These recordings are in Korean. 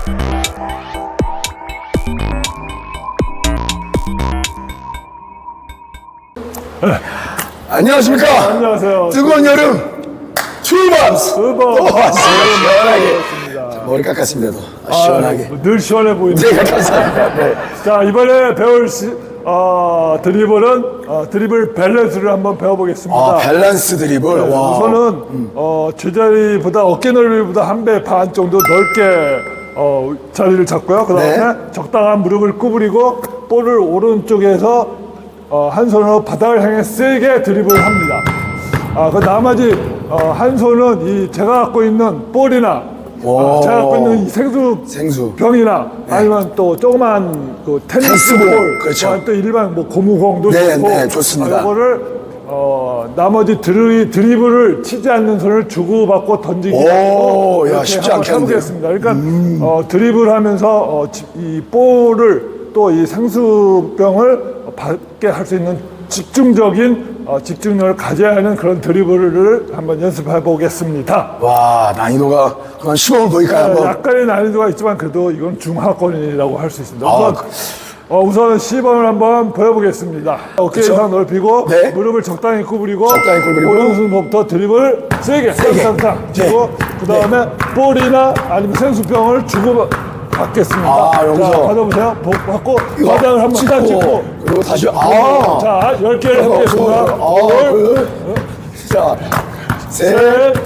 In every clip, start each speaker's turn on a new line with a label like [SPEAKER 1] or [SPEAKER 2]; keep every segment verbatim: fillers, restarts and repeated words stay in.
[SPEAKER 1] 네. 안녕하십니까?
[SPEAKER 2] 안녕하세요.
[SPEAKER 1] 뜨거운 여름 투밤스.
[SPEAKER 2] 투밤스.
[SPEAKER 1] 오, 시원하게. 자, 머리 깎았습니다. 또. 시원하게.
[SPEAKER 2] 아, 늘 시원해 보이네요.
[SPEAKER 1] 네, 감사합니다. 네.
[SPEAKER 2] 자, 이번에 배울 시, 어, 드리블은 어, 드리블 밸런스를 한번 배워보겠습니다.
[SPEAKER 1] 아, 밸런스 드리블.
[SPEAKER 2] 네,
[SPEAKER 1] 와.
[SPEAKER 2] 우선은 음. 어, 제자리보다 어깨 넓이보다 한 배 반 정도 넓게 어, 자리를 잡고요. 그 다음에
[SPEAKER 1] 네.
[SPEAKER 2] 적당한 무릎을 구부리고 볼을 오른쪽에서 어, 한 손으로 바닥을 향해 세게 드리블을 합니다. 아, 그 나머지 어, 한 손은 이 제가 갖고 있는 볼이나 어, 제가 갖고 있는 이 생수,
[SPEAKER 1] 생수.
[SPEAKER 2] 병이나
[SPEAKER 1] 네.
[SPEAKER 2] 아니면 또 조그만 그 테니스
[SPEAKER 1] 테니스
[SPEAKER 2] 볼,
[SPEAKER 1] 볼, 그렇죠.
[SPEAKER 2] 또한 또 일반 뭐 고무공도
[SPEAKER 1] 네,
[SPEAKER 2] 좋고
[SPEAKER 1] 네, 좋습니다.
[SPEAKER 2] 아, 이거를 어, 나머지 드리, 드리블을 치지 않는 손을 주고받고 던지기
[SPEAKER 1] 오, 야,
[SPEAKER 2] 이렇게
[SPEAKER 1] 쉽지
[SPEAKER 2] 한번
[SPEAKER 1] 않겠는데요?
[SPEAKER 2] 해보겠습니다. 그러니까 어, 드리블하면서 어, 지- 이 볼을 또 이 생수병을 받게 할 수 있는 집중적인 어, 집중력을 가져야 하는 그런 드리블을 한번 연습해 보겠습니다.
[SPEAKER 1] 와, 난이도가 그만 시범을 보일까요? 한번.
[SPEAKER 2] 약간의 난이도가 있지만 그래도 이건 중하권이라고 할 수 있습니다.
[SPEAKER 1] 아,
[SPEAKER 2] 우선,
[SPEAKER 1] 그-
[SPEAKER 2] 어, 우선은 시범을 한번 보여보겠습니다. 어깨
[SPEAKER 1] 그쵸?
[SPEAKER 2] 이상 넓히고
[SPEAKER 1] 네.
[SPEAKER 2] 무릎을 적당히 구부리고
[SPEAKER 1] 적당히 구부리고.
[SPEAKER 2] 오른손부터 드리블 세게 탕탕탕 치고 그 다음에 볼이나 아니면 생수병을 주고 받겠습니다.
[SPEAKER 1] 아, 여기서.
[SPEAKER 2] 자, 받아보세요. 복 받고
[SPEAKER 1] 이거
[SPEAKER 2] 바닥을 한번 딱
[SPEAKER 1] 찍고,
[SPEAKER 2] 찍고
[SPEAKER 1] 그리고 다시, 아.
[SPEAKER 2] 자, 열 개를 해보겠습니다.
[SPEAKER 1] 아,
[SPEAKER 2] 볼,
[SPEAKER 1] 그, 자, 셋,
[SPEAKER 2] 셋,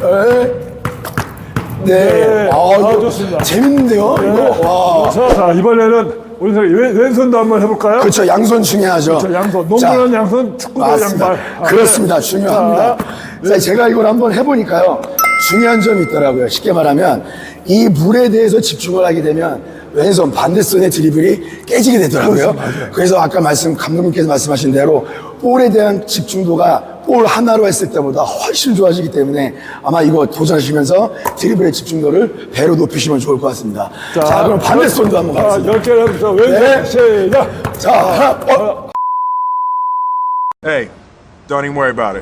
[SPEAKER 1] 네.
[SPEAKER 2] 네.
[SPEAKER 1] 아,
[SPEAKER 2] 아,
[SPEAKER 1] 이거
[SPEAKER 2] 좋습니다.
[SPEAKER 1] 재밌는데요? 이거, 와.
[SPEAKER 2] 자, 자, 이번에는 오른손 왼, 왼손도 한번 해볼까요?
[SPEAKER 1] 그렇죠. 양손 중요하죠.
[SPEAKER 2] 자, 양손.
[SPEAKER 1] 자,
[SPEAKER 2] 농구는 양손, 축구도
[SPEAKER 1] 맞습니다.
[SPEAKER 2] 양발. 아,
[SPEAKER 1] 그렇습니다.
[SPEAKER 2] 네.
[SPEAKER 1] 중요합니다.
[SPEAKER 2] 자,
[SPEAKER 1] 자, 제가 이걸 한번 해보니까요. 중요한 점이 있더라고요. 쉽게 말하면 이 물에 대해서 집중을 하게 되면 왼손 반대손의 드리블이 깨지게 되더라고요. 그래서 아까 말씀 감독님께서 말씀하신 대로 볼에 대한 집중도가 볼 하나로 했을 때보다 훨씬 좋아지기 때문에 아마 이거 도전하시면서 드리블의 집중도를 배로 높이시면 좋을 것 같습니다. 자, 그럼 반대손도 한번
[SPEAKER 2] 자,
[SPEAKER 1] 가겠습니다.
[SPEAKER 2] 열 개를 해보죠. 왼손,
[SPEAKER 1] 네.
[SPEAKER 2] 시작.
[SPEAKER 1] 자, 하나, 어,
[SPEAKER 3] Hey, don't even worry about it.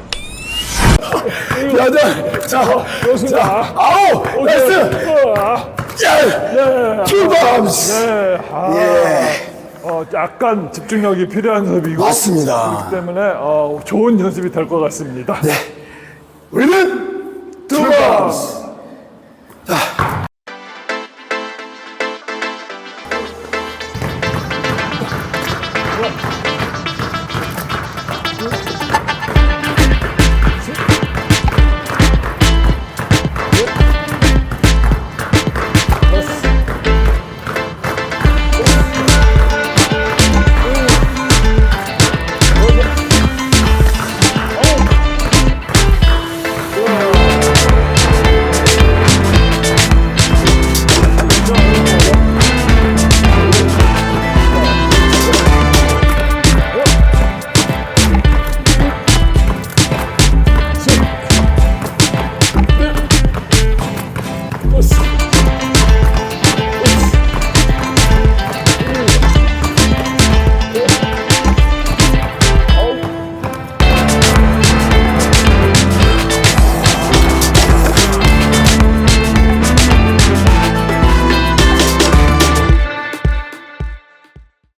[SPEAKER 1] 여덟, 자,
[SPEAKER 2] 좋습니다.
[SPEAKER 1] 자, 아홉, 나이스! 야, 투밤스!
[SPEAKER 2] 네, 아,
[SPEAKER 1] 예.
[SPEAKER 2] 어, 약간 집중력이 필요한 연습이고.
[SPEAKER 1] 맞습니다.
[SPEAKER 2] 그렇기 때문에 어, 좋은 연습이 될 것 같습니다.
[SPEAKER 1] 네. 우리는 투밤스! 자,